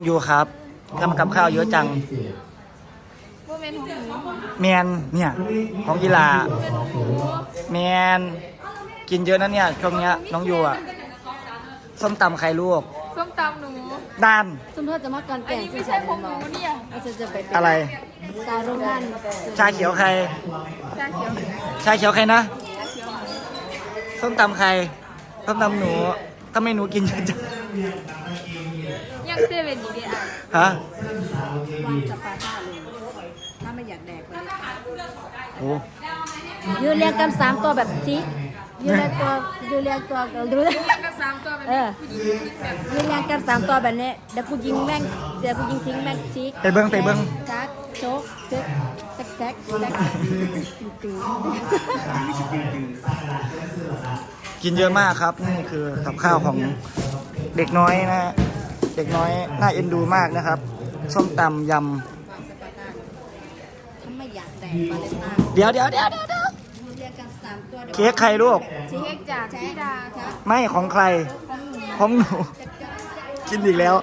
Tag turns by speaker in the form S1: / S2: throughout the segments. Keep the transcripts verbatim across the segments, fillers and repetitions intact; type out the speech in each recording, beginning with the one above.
S1: อยู่ครับทำกับข้าวเยอะจังแมนเนี่ยของกีฬาแมนกินเยอะนะเนี่ยช่วงเนี้ยน้องยูอ่ะส้มตำไข่ลวก
S2: ส้มตำหนู
S1: ด้าน
S3: ส้มทอดจะมากันแกง
S2: ไม่ใช่ของหนูเนี่ย
S3: จะจะไป
S1: อะไร
S3: ซาโรงงาน
S1: ชาเขียวใคร
S2: ชาเขียว
S1: ชาเขียวใครนะส้มตำใครส้มตำหนูทำไมหนูกินเยอะจัง
S2: ยังเซเว่นอยู่ดีอ่ะ
S1: ฮะ
S3: วางจะปาท่าเลยถ้าไม่อยากแดกไป
S1: โอ้
S3: ยืนเรียงกันสามตัวแบบจิ๊กยืนเรียงตัวยืนเรียงตัวดูเลย
S2: เรียงกันสามตัวแบบนี้
S3: ยืนเรียงกันสามตัวแบบนี้เดี๋ยวกูยิงแม่งเดี๋ยวกูยิงทิ้งแม่งจิ๊ก
S1: ไปเบิ้งไปเบิ้ง
S3: จักโจ๊กเจ๊กแจ๊กแจ๊กแจ๊ก
S1: กินเยอะมากครับนี่คือกับข้าวของเด็กน้อยนะเด็กน้อยน่าเอ็นดูมากนะครับส้มตำยำ
S3: ถ้าไม่อยากแดกมาเลยมาก
S1: เดี๋ยวเดี๋ยวเดี๋ยวเดี๋ยวเค้กใครลูก
S2: เค้กจากพี่ดาครับ
S1: ไม่ของใครของหนูกินอีกแล้ว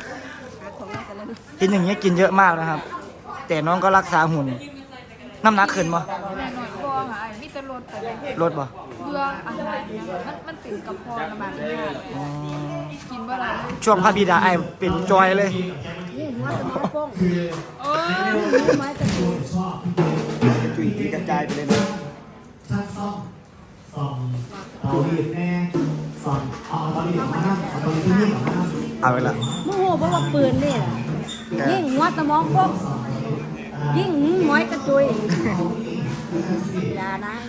S1: กินอย่างเงี้ยกินเยอะมากนะครับแต่น้องก็รักษาหุ่นน้ำหนักขึ้นบ่
S2: หน่อยก็หายมิตรรถแต่
S1: ลดบ่
S2: เบื่ออาหารมันมันติดกับคอระบาดเนี่ยกินเมื่อไร
S1: ช่วงพระบิดาไอเป็นจอยเลย
S3: นี่หัวสมองโป้ง
S2: โอ้
S3: ยไม้กระจุย
S1: จุยกระจายไปเลยนะ
S4: ช่างซ่อมซ่อมเอาดีแน่ซ่อมเอาตอนนี้ของมาเอาตอนนี้ที่นี่ของมา
S1: เอาไปละ
S3: โมโหเพราะว่าปืนนี่แหละยิ่งหัวสมองโป้งยิ่งไม้กระจุยอย่านะ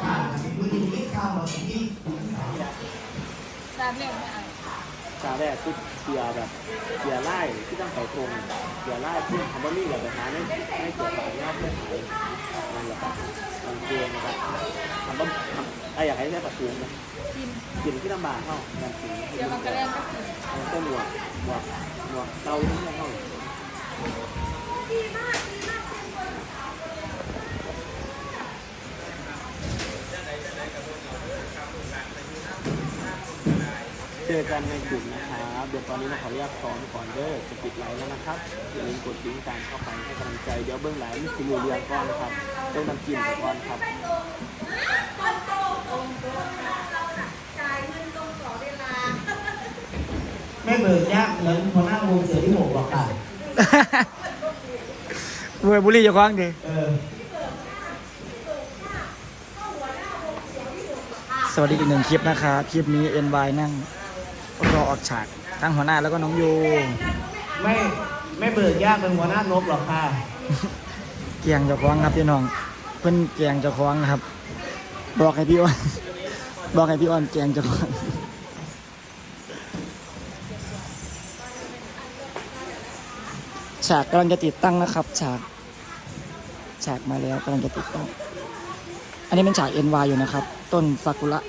S2: สามเล่มไม่เอา
S5: ชาแรกคือเสียแบบเสียไล่ที่ต้องใส่ตรงเสียไล่ที่ทำบะหมี่แบบหาไม่ไม่เสียขายยอดไม่ขายนั่นแหละครับมันเกณฑ์นะครับทำบะทำไอ้อยากให้ได้ประตูนะ
S2: กิน
S5: กินที่ลำบากเข้าแบบสี
S2: เสียมันกระเล่นก็กิน
S5: มันก็หมวกหมวกหมวกเตาที่ไม่เข้าเจอกันในกลุ่มนะครับเดี๋ยวตอนนี้เราขออนุญาตซ้อมก่อนเด้อจะปิดไลน์แล้วนะครับอย่าลืมกดลิงก์การเข้าไปให้กำลังใจเดี๋ยวเบื้องหลังนี่คือเรียงก่อนครับต้องนำจิ้มก่อนครับ
S4: ไม่เบิกยากเหมือนพอหน้าวงเสือที่หกหรอกค่ะ
S1: เวบุรีจะคว้างดิสวัสดีอีกหนึ่งคลิปนะครับคลิปนี้ เอ็น วาย นั่งรอออกฉากทั้งหัวหน้าแล้วก็น้องยู
S4: ไม่ไม่เบิกยากเป็นหัวหน้านบหรอกค่ะ
S1: เกียงเจ้าของครับพี่น้องเพิ่นเกียงเจ้าของนะครับบอกให้พี่อ้อนบอกให้พี่อ้อนเกียงเจ้าของฉากกำลังจะติดตั้งนะครับฉากฉากมาแล้วกำลังจะติดตั้งอันนี้เป็นฉาก เอ็น วาย อยู่นะครับต้นซากุระ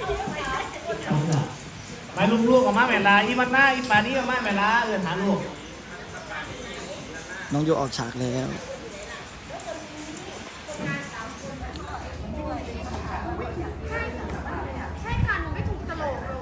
S4: ไปลูกๆออกมาแม่ลาอีมันหน้าอีปานี่ออกมาแม่ลาเออหาลูก
S1: น้องโยออกฉากแล้ว
S2: ใช่ค่ะหนูไม่ถูกตลกเลย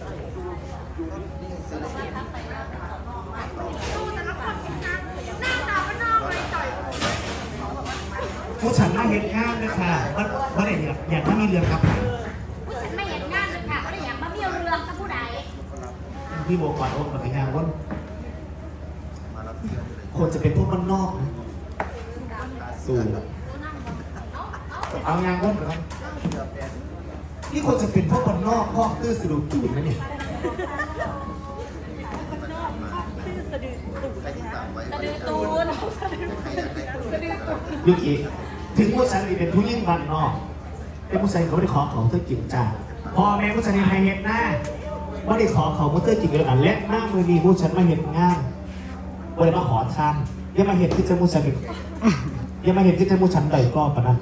S2: ดูแต่ละคนนะหน้าตาก็นอกเลยต่อย
S4: ผู้ฉันมาเห็นงานเลยค่ะว่าว่าอะไรเนี่ยอยากถ้ามีเรือครับ
S2: ไม่เห็นงานเลยค่ะก็เลยอยากมาเบี้ยวเรือกับผู้ใด
S4: พี่โบก่อนโอ้กับพี่งานว่าคนจะเป็นพวกมันนอกนะสูงเอางานว่าเหรอนี่คนจะเป็นพวกมันนอกข้อตื้อสะดุดตูดนะเนี่ย
S2: สะดือตูนสะดือตูน
S4: ยุคอีกถึงผู้ชายเป็นผู้ยิ่งบันนอกแต่ผู้ชายเขาไม่ได้ขอของเธอกินจ้าพอแม่ผู้ชายในไฮเฮดหน้าไม่ได้ขอของเธอกินเลยอ่ะและหน้ามือดีผู้ชายมาเห็นงานไม่ได้มาขอทานยังมาเห็นที่จะผู้ชายยังมาเห็นที่จะผู้ชายใดก็ปะนะ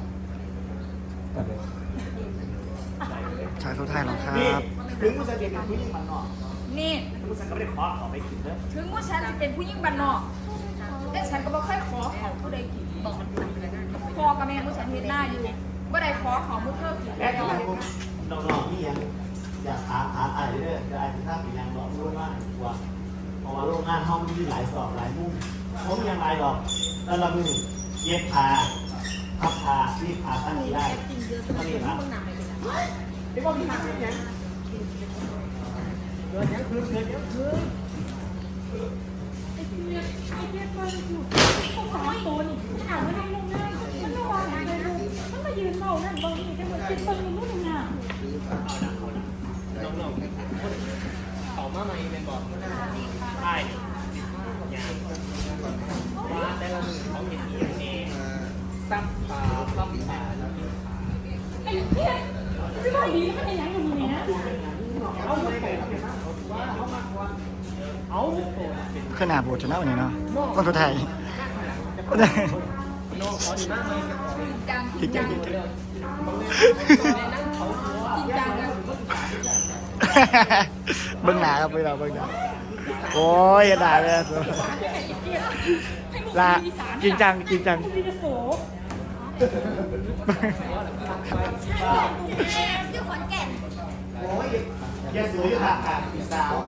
S1: ฉากสุดท้ายแล้วครับ
S4: ถึงผู้ชายเป็นผู้ยิ่งบันนอก
S2: นี่
S4: ผู้ชายก็ไม่ได้ขอของไปกินเนอะ
S2: ถึงว่าฉันจะเป็นผู้ยิ่งบันนอกแต่ฉันก็ไม่ค่อยขอของผู้ใดกินบอกพอกับแม่ผู้ฉันเห็นหน้าอยู่เมื่อใดขอของผู้เธอกิน
S4: แล้น้องๆนี่ยังอยากหาหาอะไรเรื่อยๆจะอาจจะทำเป็นยังบอกรู้ว่าว่าเพราะว่าโรงงานห้องมีหลายสอบหลายมุมเขามียังไงหรอกแล้วเรามีเย็บผ้าพับผ้ารีดผ้าตั้งที่ได้ก็นี่ครับที่ว่ามีทางเป็นยังเกิดยังคืนเกิดยังคืน
S2: ไอ้เพี้ยไอ้เพี้ยตัวอยู่เขาสามตัวนี่ถามว่านั่งลงง่ายมันระวังเลยลูกมันมายืนเมานั่นตรงนี้แค่เหมือนคิดเปิ้ลมันนู่นน่ะ
S5: น้องๆเขามาใหม่เป็นบอกใช่ยางว่าแต่ละมือเขาเห็นอย่างนี้ซับปลาซับปลาแล้วกินปลา
S2: ไอ้เพี้ยไม่ไหวดีมันยังอยู่นี่นะ
S5: เอาไม่ไปว่าเขามากกว่าเอาตัวเป็น
S1: ขนาดโบชนะวันนี้เนาะคนตัวไทย
S5: น้องเขาดีมากเลย
S2: จัง
S1: จริง
S2: จั
S1: จั
S2: ง
S1: งจริง
S5: นั่งเขาหัว
S2: จริงจังกัน
S1: เบิ้งหนาครับเบิ้งหนาเบิ้งหนาโอ้ยอย่าด่าเลยลาจริงจังจริงจัง
S2: มีแต่โส
S3: อยู่ขอนแก่น
S4: โอ้ยแกสวยอยู่ค่ะค่ะพี่สาว